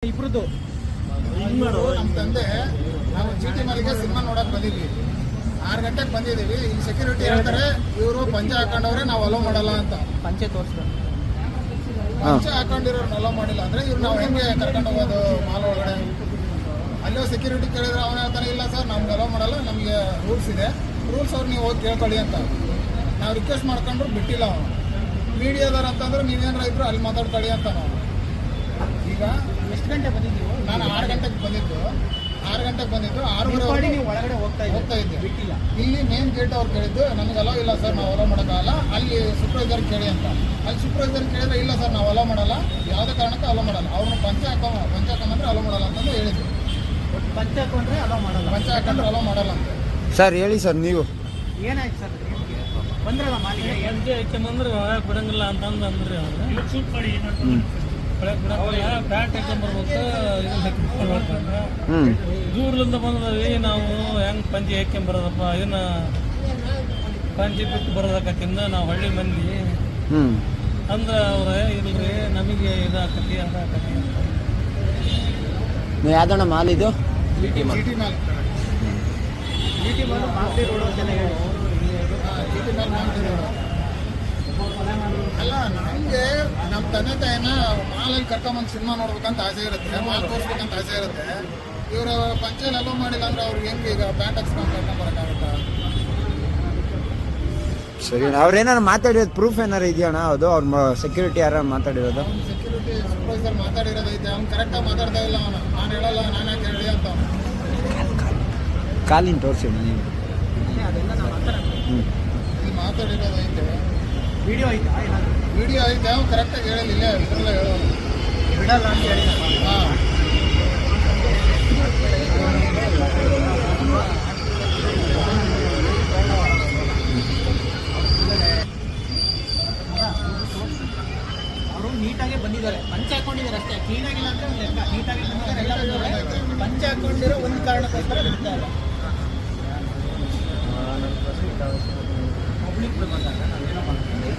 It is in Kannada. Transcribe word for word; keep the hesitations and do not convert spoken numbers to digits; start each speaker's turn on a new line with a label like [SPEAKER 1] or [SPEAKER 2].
[SPEAKER 1] ಇಬ್ರದ್ದು
[SPEAKER 2] ನಮ್ಮ ತಂದೆ ನಾವು ಚೀಟಿ ಮನೆಗೆ ಸಿನಿಮಾ ನೋಡಕ್ ಬಂದಿದ್ವಿ. ಆರು ಗಂಟೆಗೆ ಬಂದಿದ್ದೀವಿ. ಇಲ್ಲಿ ಸೆಕ್ಯೂರಿಟಿ ಹೇಳ್ತಾರೆ ಇವರು ಪಂಚೆ ಹಾಕೊಂಡವ್ರೆ ನಾವು ಅಲೋ ಮಾಡಲ್ಲ ಅಂತ.
[SPEAKER 1] ಪಂಚೆ ತೋರಿಸ್ತಾರೆ.
[SPEAKER 2] ಪಂಚೆ ಹಾಕೊಂಡಿರೋರ್ನ ಅಲೋ ಮಾಡಿಲ್ಲ ಅಂದ್ರೆ ಇವ್ರು ನಾವು ಹೆಂಗೆ ಕರ್ಕೊಂಡು ಹೋಗೋದು ಮಾಲ್ ಒಳಗಡೆ? ಅಲ್ಲೋ ಸೆಕ್ಯೂರಿಟಿ ಕೇಳಿದ್ರೆ ಅವನ ಹೇಳ್ತಾನೆ ಇಲ್ಲ ಸರ್ ನಮ್ಗೆ ಅಲೋ ಮಾಡಲ್ಲ, ನಮಗೆ ರೂಲ್ಸ್ ಇದೆ, ರೂಲ್ಸ್ ಅವ್ರು ನೀವು ಹೋಗಿ ಕೇಳ್ಕೊಳ್ಳಿ ಅಂತ. ನಾವು ರಿಕ್ವೆಸ್ಟ್ ಮಾಡ್ಕೊಂಡ್ರು ಬಿಟ್ಟಿಲ್ಲ ಅವನು. ಮೀಡಿಯಾದವ್ರು ಅಂತಂದ್ರೆ ನೀವೇನಾರ ಇದ್ರು ಅಲ್ಲಿ ಮಾತಾಡ್ಕೊಳ್ಳಿ ಅಂತ ನಾವು. ಈಗ
[SPEAKER 1] ಎಷ್ಟು ಗಂಟೆ ಬಂದಿದ್ದೀವಿ?
[SPEAKER 2] ನಾನು ಆರು ಗಂಟೆಗೆ ಬಂದಿದ್ದು ಆರು ಗಂಟೆಗೆ ಬಂದಿದ್ದು ಆರೂವರೆ
[SPEAKER 1] ನೀವು ಒಳಗಡೆ ಹೋಗ್ತಾ
[SPEAKER 2] ಹೋಗ್ತಾ ಇದ್ದೆ.
[SPEAKER 1] ಬಿಟ್ಟಿಲ್ಲ.
[SPEAKER 2] ಇಲ್ಲಿ ಮೇನ್ ಗೇಟ್ ಅವ್ರು ಕೇಳಿದ್ದು ನಮಗೆ ಅಲೋ ಇಲ್ಲ ಸರ್, ನಾವು ಅಲೋ ಮಾಡೋಕ್ಕಾಗಲ್ಲ, ಅಲ್ಲಿ ಸೂಪರ್ವೈಸರ್ ಕೇಳಿ ಅಂತ. ಅಲ್ಲಿ ಸೂಪರ್ವೈಸರ್ ಕೇಳಿದ್ರೆ ಇಲ್ಲ ಸರ್ ನಾವು ಅಲೋ ಮಾಡಲ್ಲ, ಯಾವುದೇ ಕಾರಣಕ್ಕೂ ಅಲೋ ಮಾಡಲ್ಲ, ಅವ್ರನ್ನ ಪಂಚೆ ಹಾಕೋ ಪಂಚೆ ಹಾಕೊಂಡ್ರೆ ಅಲೋ ಮಾಡಲ್ಲ ಅಂತಂದು ಹೇಳಿದ್ರು.
[SPEAKER 1] ಪಂಚೆ ಹಾಕೊಂಡ್ರೆ ಅಲೋ ಮಾಡಲ್ಲ,
[SPEAKER 2] ಪಂಚೆ ಹಾಕೊಂಡ್ರೆ ಅಲೋ ಮಾಡಲ್ಲ ಅಂತ.
[SPEAKER 3] ಸರ್ ಹೇಳಿ ಸರ್ ನೀವು
[SPEAKER 1] ಏನಾಯ್ತು ಸರ್? ಬಂದ್ರಲ್ಲ ಮಾಲಿಗೆ
[SPEAKER 4] ಎಂಜೆ ಹಾಕ್ಯಂಬಂದ್ರೆ ಒಳಗೆ ಬಿಡಂಗಿಲ್ಲ ಅಂತಂದು ಅಂದ್ರಿ ಅವ್ರು. ಒಳಗೆ ಬಿಡಂಗಿಲ್ಲ, ಪ್ಯಾಂಟ್ ಹಾಕ್ಯಂಬರ್ಬೇಕು, ಇದನ್ನ ಹಾಕ್ಯಂಬರ್ಬೇಕಂದ್ರೆ
[SPEAKER 3] ಹ್ಞೂ
[SPEAKER 4] ದೂರ್ಲಿಂದ ಬಂದದವಿ ನಾವು ಹೆಂಗೆ ಪಂಚಿ ಹಾಕ್ಯಂಬರೋದಪ್ಪ, ಇದನ್ನ ಪಂಚಿ ಬಿಟ್ಟು ಬರೋದಕ್ಕಿಂದ ನಾವು ಹಳ್ಳಿ ಮಂದಿ
[SPEAKER 3] ಹ್ಞೂ
[SPEAKER 4] ಅಂದ್ರೆ ಅವ್ರೆ ಇಲ್ರಿ ನಮಗೆ ಇದಾಕತಿ ಅದಾಕತಿ ಅಂತ.
[SPEAKER 3] ನೀವು ಯಾವ್ದಣ್ಣ ಮಾಲ್ ಇದು?
[SPEAKER 2] ಚೀಟಿ ಮಾಲ್
[SPEAKER 1] ಚೀಟಿ ಮಾಲು ಮಾಗಡಿ ರೋಡ್ ಅಂತೆಲ್ಲ ಹೇಳಿ.
[SPEAKER 2] ಚೀಟಿ ಮಾಲ್ ಮಾಡ್ತಿರೋರು ಅಲ್ಲ. ನಮಗೆ ನಮ್ಮ ತಂದೆ ತಾಯಿನ ಮಾಲಲ್ಲಿ ಕರ್ಕೊಂಬಂದು ಸಿನಿಮಾ ನೋಡ್ಬೇಕಂತ ಆಸೆ ಇರುತ್ತೆ, ಮಾಲ್ ತೋರಿಸ್ಬೇಕಂತ ಆಸೆ ಇರುತ್ತೆ. ಇವರು ಪಂಚೆಯಲ್ಲಿ ಅಲೋ ಮಾಡಿಲ್ಲ ಅಂದ್ರೆ ಅವ್ರಿಗೆ ಹೆಂಗೆ ಈಗ ಪ್ಯಾಂಟ್ ಹಾಕ್ಸ್ಕೊಂಡು ಕರ್ಕೊಂಬರೋಕ್ಕಾಗುತ್ತಾ?
[SPEAKER 3] ಸರಿ ಅವ್ರೇನಾರು ಮಾತಾಡಿರೋದು ಪ್ರೂಫ್ ಏನಾರು ಇದೆಯಣ್ಣ? ಅದು ಅವ್ರ ಸೆಕ್ಯೂರಿಟಿ ಯಾರು ಮಾತಾಡಿರೋದು?
[SPEAKER 2] ಅವ್ನು ಸೆಕ್ಯೂರಿಟಿ ಸೂಪರ್ವೈಸರ್ ಮಾತಾಡಿರೋದೈತೆ, ಅವ್ನು ಕರೆಕ್ಟಾಗಿ ಮಾತಾಡ್ತಾ ಇಲ್ಲ. ಅವನು ನಾನು ಹೇಳಲ್ಲ, ನಾನು ಯಾಕೆ ಹೇಳಿ ಅಂತ ಅವನು.
[SPEAKER 3] ಕಾಲಿನ ತೋರಿಸಿ ನೀವು.
[SPEAKER 1] ಅದೆಲ್ಲ ನಾವು ಮಾತಾಡೋಣ.
[SPEAKER 3] ಹ್ಞೂ
[SPEAKER 2] ಇಲ್ಲಿ ಮಾತಾಡಿರೋದೈತೆ,
[SPEAKER 1] ವಿಡಿಯೋ ಐತಾ ಏನಾದ್ರು?
[SPEAKER 2] ವಿಡಿಯೋ ಐತೆ, ಅವ್ನು ಕರೆಕ್ಟಾಗಿ ಹೇಳಿಲ್ಲ, ಇದ್ರಲ್ಲ ಹೇಳೋನು.
[SPEAKER 1] ಬಿಡಲ್ಲ ಅಂತ ಹೇಳಿ.
[SPEAKER 2] ಹಾಂ
[SPEAKER 1] ಅವರು ನೀಟಾಗಿ ಬಂದಿದ್ದಾರೆ, ಪಂಚೆ ಹಾಕೊಂಡಿದ್ದಾರೆ ಅಷ್ಟೇ, ಕ್ಲೀನ್ ಆಗಿಲ್ಲ ಅಂದ್ರೆ ಒಂದು ಲೆಕ್ಕ. ನೀಟಾಗಿ ಬಂದಿದ್ದಾರೆ, ಎಲ್ಲ ಬಂದಿದ್ದಾರೆ. ಪಂಚೆ ಹಾಕೊಂಡಿರೋ ಒಂದು ಕಾರಣಕ್ಕೋಸ್ಕರ ಬಿಡ್ತಾ ಇಲ್ಲ. ಪಬ್ಲಿಕ್ ಬಂದಾಗ ನಾವೇನೋ ಮಾಡ್ತೀವಿ.